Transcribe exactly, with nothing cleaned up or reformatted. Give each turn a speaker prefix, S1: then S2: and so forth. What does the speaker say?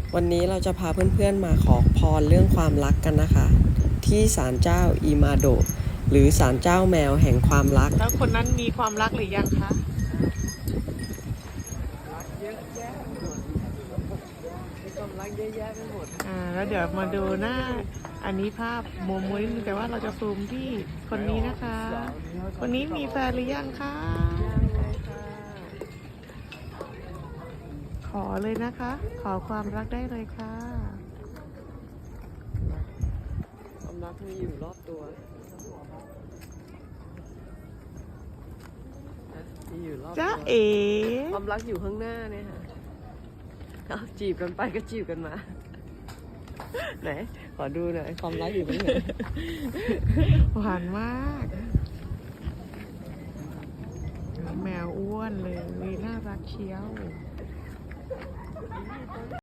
S1: วันนี้เราจะพาเพื่อนๆมาขอพรเรื่องความรักกันนะคะ ที่ศาลเจ้าอิมาโดะหรือศาลเจ้าแมวแห่งความรัก
S2: แล้วคนนั้นมีความรักหรือยังคะ
S1: รักเยอะแยะไปหมดมีความรักเยอะแยะไปหมด
S2: อ่าแล้วเดี๋ยวมาดูหน้าอันนี้ภาพโมโมนิดนึงแต่ว่าเราจะซูมที่คนนี้นะคะ คนนี้มีแฟนหรือยังคะขอเลยนะคะ ขอความรักได้เลยค่ะ
S1: ความรักมีอยู่รอบตัวมีอยู่รอบตัว
S2: จ้าเอ๋
S1: ความรักอยู่ข้างหน้าเนี่ยค่ะเอาจีบกันไปก็จีบกันมาไหนขอดูหน่อยความรักอยู่ตรงไหน
S2: หวานมากแมวอ้วนเลยน่ารักเชียว